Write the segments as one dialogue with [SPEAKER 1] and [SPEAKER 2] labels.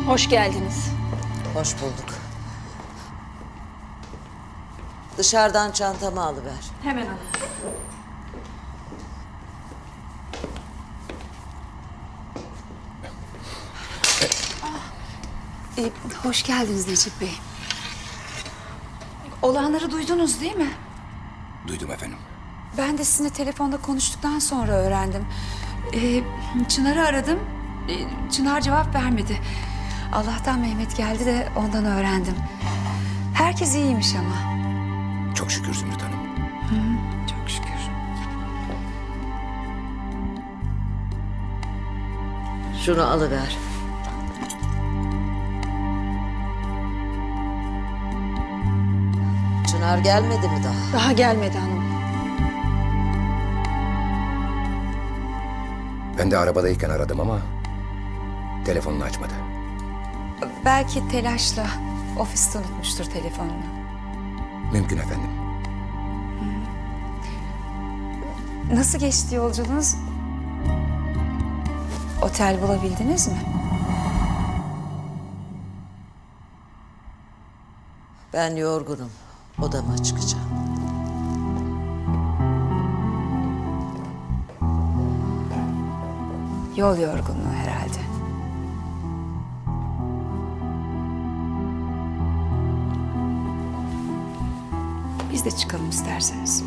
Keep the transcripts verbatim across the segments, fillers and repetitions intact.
[SPEAKER 1] Hoş geldiniz.
[SPEAKER 2] Hoş bulduk. Dışarıdan çantamı alıver.
[SPEAKER 1] Hemen alın.
[SPEAKER 3] Ee, hoş geldiniz Necip Bey. Olanları duydunuz değil mi?
[SPEAKER 4] Duydum efendim.
[SPEAKER 3] Ben de sizinle telefonda konuştuktan sonra öğrendim. Ee, Çınar'ı aradım. Ee, Çınar cevap vermedi. Allah'tan Mehmet geldi de ondan öğrendim. Herkes iyiymiş ama.
[SPEAKER 4] Çok şükür Zümrüt Hanım.
[SPEAKER 3] Çok şükür.
[SPEAKER 2] Şunu alıver. Çınar gelmedi mi daha?
[SPEAKER 1] Daha gelmedi hanım.
[SPEAKER 4] Ben de arabadayken aradım ama telefonunu açmadı.
[SPEAKER 3] Belki telaşla ofiste unutmuştur telefonunu.
[SPEAKER 4] Mümkün efendim.
[SPEAKER 3] Nasıl geçti yolculuğunuz? Otel bulabildiniz mi?
[SPEAKER 2] Ben yorgunum. Odama çıkacağım.
[SPEAKER 3] Yol yorgunluğu herhalde. Biz de çıkalım isterseniz.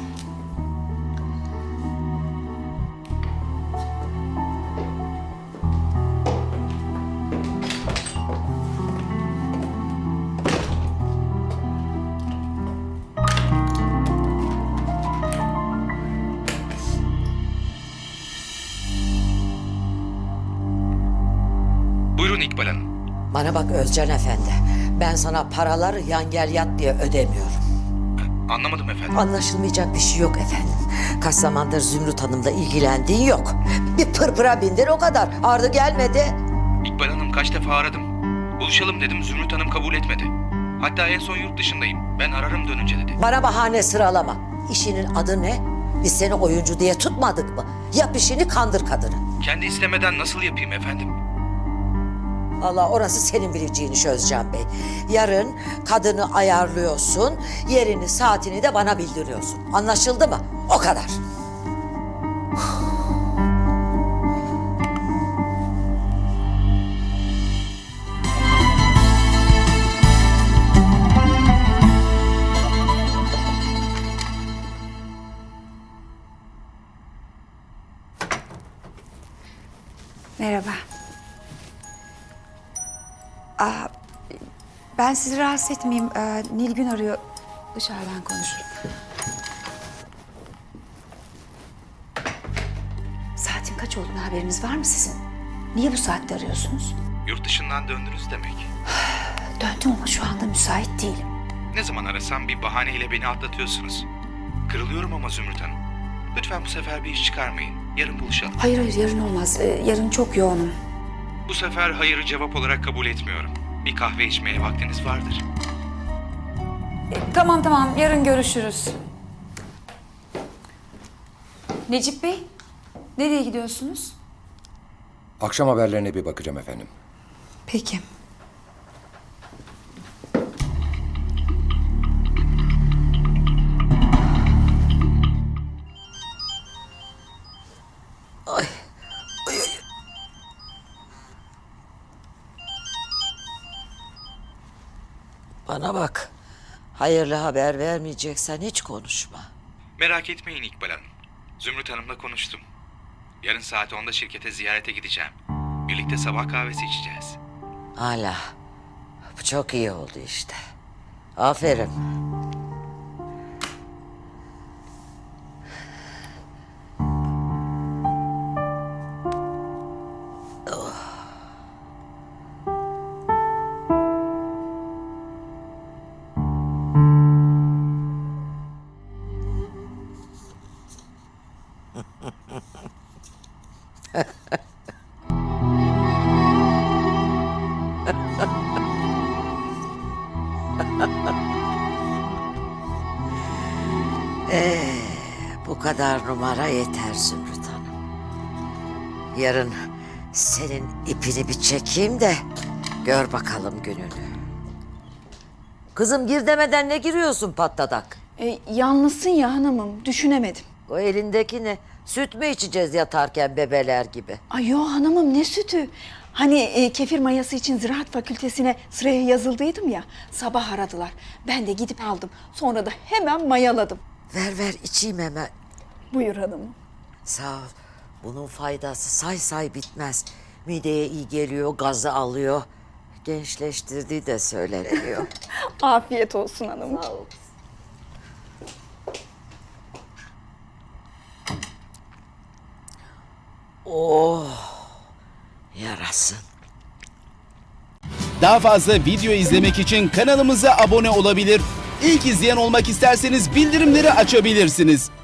[SPEAKER 5] Buyurun İkbal Hanım.
[SPEAKER 2] Bana bak Özcan Efendi. Ben sana paraları yan gel yat diye ödemiyorum.
[SPEAKER 5] Anlamadım efendim.
[SPEAKER 2] Anlaşılmayacak bir şey yok efendim. Kaç zamandır Zümrüt Hanım'la ilgilendiğin yok. Bir pırpıra bindir o kadar. Ardı gelmedi.
[SPEAKER 5] İkbal Hanım kaç defa aradım. Buluşalım dedim, Zümrüt Hanım kabul etmedi. Hatta en son yurt dışındayım. Ben ararım dönünce dedi.
[SPEAKER 2] Bana bahane sıralama. İşinin adı ne? Biz seni oyuncu diye tutmadık mı? Yap işini, kandır kadını.
[SPEAKER 5] Kendi istemeden nasıl yapayım efendim?
[SPEAKER 2] Allah, orası senin bileceğin iş Özcan Bey. Yarın kadını ayarlıyorsun, yerini, saatini de bana bildiriyorsun. Anlaşıldı mı? O kadar.
[SPEAKER 3] Merhaba. Aa, ben sizi rahatsız etmeyeyim. Ee, Nilgün arıyor. Dışarıdan konuşurum. Saatin kaç olduğunu haberiniz var mı sizin? Niye bu saatte arıyorsunuz?
[SPEAKER 5] Yurt dışından döndünüz demek.
[SPEAKER 3] Döndüm ama şu anda müsait değilim.
[SPEAKER 5] Ne zaman arasam bir bahaneyle beni atlatıyorsunuz. Kırılıyorum ama Zümrüt Hanım. Lütfen bu sefer bir iş çıkarmayın. Yarın buluşalım.
[SPEAKER 3] Hayır hayır yarın olmaz. Ee, yarın çok yoğunum.
[SPEAKER 5] Bu sefer hayırı cevap olarak kabul etmiyorum. Bir kahve içmeye vaktiniz vardır.
[SPEAKER 3] Ee, tamam tamam yarın görüşürüz. Necip Bey, nereye gidiyorsunuz?
[SPEAKER 4] Akşam haberlerine bir bakacağım efendim.
[SPEAKER 3] Peki.
[SPEAKER 2] Ay. Ay, ay. Bana bak. Hayırlı haber vermeyeceksen hiç konuşma.
[SPEAKER 5] Merak etmeyin İkbal Hanım. Zümrüt Hanım'la konuştum. Yarın saat onda şirkete ziyarete gideceğim. Birlikte sabah kahvesi içeceğiz.
[SPEAKER 2] Hala. Bu çok iyi oldu işte. Aferin. Ee, bu kadar numara yeter Zümrüt Hanım. Yarın senin ipini bir çekeyim de Gör bakalım gününü. Kızım gir demeden ne giriyorsun patladak?
[SPEAKER 1] E, yalnızsın ya hanımım, düşünemedim.
[SPEAKER 2] O elindeki ne? Süt mü içeceğiz yatarken bebeler gibi?
[SPEAKER 1] Ay yo hanımım, ne sütü? Hani e, kefir mayası için ziraat fakültesine sıraya yazıldıydım ya. Sabah aradılar. Ben de gidip aldım. Sonra da hemen mayaladım.
[SPEAKER 2] Ver ver içeyim hemen.
[SPEAKER 1] Buyur hanımım.
[SPEAKER 2] Sağ ol. Bunun faydası say say bitmez. Mideye iyi geliyor, gazı alıyor. Gençleştirdiği de söyleniyor.
[SPEAKER 1] Afiyet olsun hanımım. Sağ ol.
[SPEAKER 2] Oh, yarasın.
[SPEAKER 6] Daha fazla video izlemek için kanalımıza abone olabilir. İlk izleyen olmak isterseniz bildirimleri açabilirsiniz.